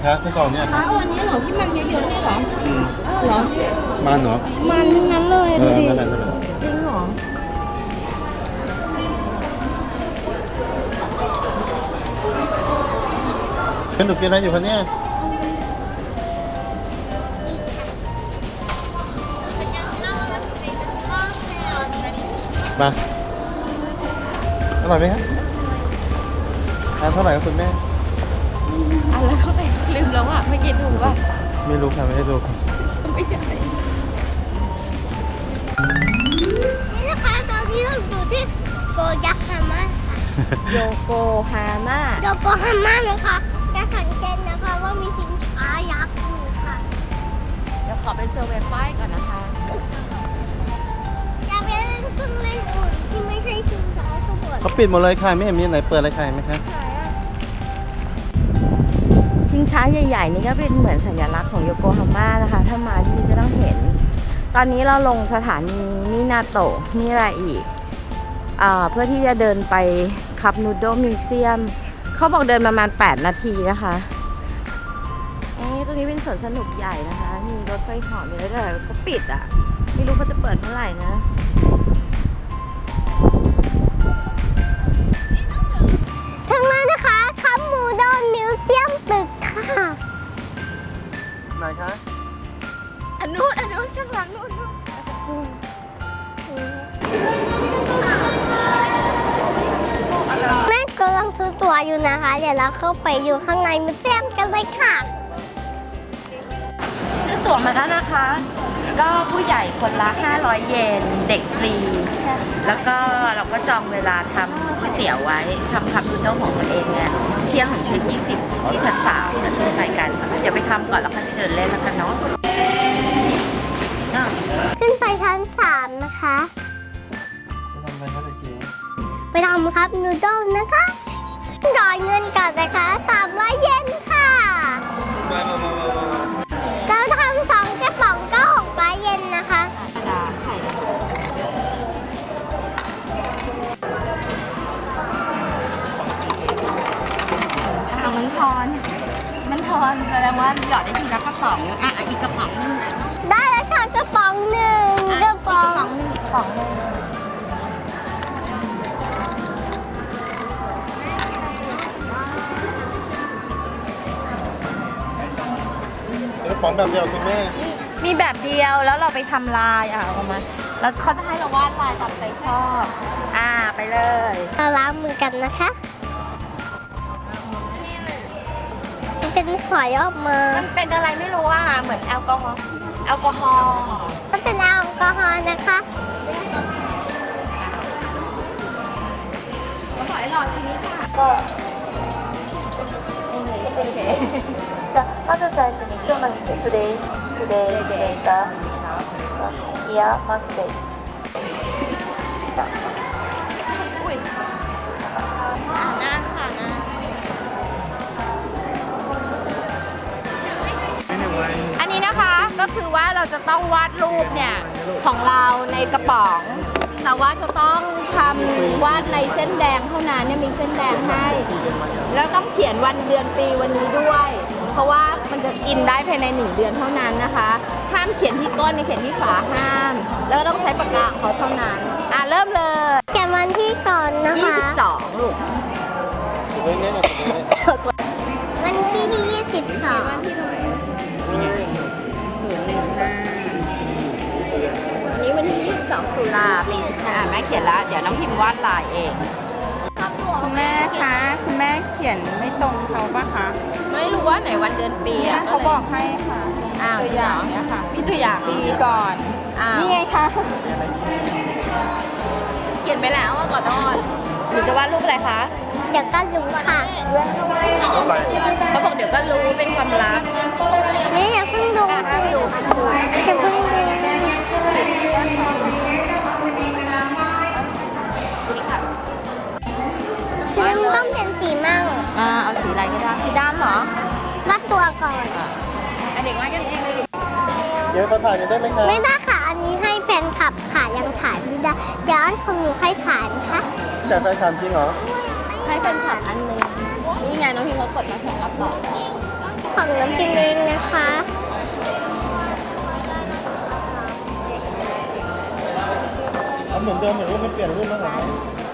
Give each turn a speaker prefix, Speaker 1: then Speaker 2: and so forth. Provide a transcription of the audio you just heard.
Speaker 1: คะไส้กรอกเนี่ย
Speaker 2: วันนี้เหรอที่มันเยอะๆนี่เหรอเหรอ
Speaker 1: มันเหรอ
Speaker 2: มันทั้งนั้นเลยดูดิ
Speaker 1: นั่นแหละนั่นแหละ
Speaker 2: จริงเหรอ
Speaker 1: เป็นหนูกินอะไรอยู่คะเนี่ยมาอร่อยไหมครับทานเท่าไหร่ครับคุณแม่
Speaker 2: อันละเท่าไหร่ลืมแล้วอ่ะไม่กินถูกป่ะ
Speaker 1: ไม่รู้ค่ะไม่ได้ดูค่ะ
Speaker 2: ไม่ใช่
Speaker 3: นี่นะคะตอนนี้เราอยู่ที่โกยักฮาม่าค่ะ
Speaker 2: โยโกฮาม่า
Speaker 3: โยโกฮาม่านะคะจะสังเกตนะคะว่ามีสินค้ายักษ์อยู่ค่ะ
Speaker 2: เดี๋ยวขอไปเซอร์เวย์ป้ายก่อนนะคะ
Speaker 3: อยากไปเล่นเครื่องเล่นอุ่นที่ไม่ใช่ชิงช้าสมุทร
Speaker 1: เขาปิดหมดเลยค่ะไม่เห็นมีไหนเปิดอะไรขายไหมคะ
Speaker 2: ชิงช้าใหญ่ๆนี่ก็เป็นเหมือนสัญลักษณ์ของโยโกฮาม่านะคะ ถ้ามาที่นี่จะต้องเห็น ตอนนี้เราลงสถานีมินาโตะมิราอิเพื่อที่จะเดินไปคับนูโดมิวเซียมเขาบอกเดินประมาณ8 นาทีนะคะตรงนี้เป็นสวนสนุกใหญ่นะคะ มีรถไฟเหาะมีอะไรด้วยแต่เขาปิดอ่ะ ไม่รู้เขาจะเปิดเมื่อไหร่นะ
Speaker 3: ทางนั้นนะคะคัมมูโดนมิวเซียมตึกค่ะ
Speaker 1: ไหนคะ
Speaker 2: อันนู้นข้างหลังนู้น
Speaker 3: แม่กำลังซื้อตั๋วอยู่นะคะ เดี๋ยวเราเข้าไปอยู่ข้างในมิวเซียมกันเลยค่ะ
Speaker 2: ซื้อตั๋วมาแล้วนะคะ ก็ผู้ใหญ่คนละ500 เยนเด็กฟรี แล้วก็เราก็จองเวลาทำก๋วยเตี๋ยวไว้ทำคัพนูโดลของตัวเองเนี่ยเที่ยงถึงเที่ยง20ที่ชั้น3เดี๋ยวขึ้นไปกันเดี๋ยวไปทำก่อนแล้วค่อยไปเดินเล่นแล้วกันเนาะ
Speaker 3: ขึ้นไปชั้น 3 นะคะ
Speaker 1: ไปทำอะไรคะตะกี้
Speaker 3: ไปทำครับนูโดลนะคะจ่ายเงินก่อนนะคะ300 เยนค่ะแล้วทำ2 กระป๋องก็600 เยนนะคะ
Speaker 2: กระดาษไข่มันทอนแสดงว่าหยอดได้ทีละกระป๋องอีกกระป๋องนึง
Speaker 3: ได้แล้วค่ะกระป๋องหนึ่งกระป๋อง
Speaker 2: นึงกระป๋องนึง
Speaker 1: กระป๋องแบบเดียวคุณแม่
Speaker 2: มีแบบเดียวแล้วเราไปทำลายเอามาแล้วเขาจะให้เราวาดลายตามใจชอบไปเลย
Speaker 3: เราล้างมือกันนะคะมันเป็นฝอยออกมา
Speaker 2: มันเป็นอะไรไม่รู้เหมือนแอลกอฮอล์
Speaker 3: มันเป็นแอลกอฮอล์นะคะ
Speaker 2: ขอให้หลอดทีนี้ค่ะ
Speaker 4: まず最初に今日のtoday later here must stay
Speaker 2: อุ้ยหน้าค่ะหน้าอันนี้นะคะก็คือว่าเราจะต้องวาดรูปเนี่ยของเราในกระป๋อง แต่ว่าจะต้องทำวาดในเส้นแดงเท่านั้นเนี่ยมีเส้นแดงให้ แล้วต้องเขียนวันเดือนปีวันนี้ด้วย เพราะว่ามันจะกินได้ภายใน1 เดือนเท่านั้นนะคะห้ามเขียนที่ก้นในเขียนที่ฝาห้าม แล้วก็ต้องใช้ปากกาของเขาเท่านั้นเริ่มเลย
Speaker 3: เขียนวันที่ก่อนนะคะ
Speaker 2: 22ลูก
Speaker 1: เรื่องนี้นะ
Speaker 3: วันที่22
Speaker 2: นี้วันที่22 ตุลาปีแม่เขียนแล้วเดี๋ยวน้องพิมพ์วาดลายเอง
Speaker 4: คุณแม่คะคุณแม่เขียนไม่ตรงเขาปะคะ
Speaker 2: ไม่รู้ว่าไหนวันเดือนปีอ่ะ
Speaker 4: เขาบอกให้ค่ะ
Speaker 2: ตัวอย่างเนี่ยค่ะพี่ตัวอย่าง
Speaker 4: ปีก่อน นี่ไงคะ
Speaker 2: เขียนไปแล้วก่อนนอนหนูจะวาดรูปอะไรคะ
Speaker 3: เดี๋ยวก็รู้ค่ะ
Speaker 2: เขาบอกเดี๋ยวก็รู้เป็นความลับ
Speaker 3: นี่อย่าเพิ่งดูสิอย่าเพิ่งดูคือมันต้องเป็นสีมั่ง
Speaker 2: เอาสีอะไรก็ได้สีดำเหรอ
Speaker 3: วัดตัวก่อน
Speaker 2: เด็กวาดกันเองเลย
Speaker 1: เดี๋ยวมาถ่ายกันได้ไหมคะ
Speaker 3: ไม่ได้ค่ะ อันนี้ให้แฟนคลับค่ะยังถ่ายไม่ได้ เดี๋ยวอันของหนูค่อยถ่ายนะคะ
Speaker 1: แต่แฟนคลับจริงเหรอ
Speaker 2: ให้เป็นขับอันหนึงนี่ไงน้องพิมพ์เขากดมา2 กระป๋อง
Speaker 3: ของน้ำกินเองนะคะ
Speaker 1: เอาเหมือนเดิมเหมือนว่าไม่เปลี่ยนรุ่นแล้วเหรอ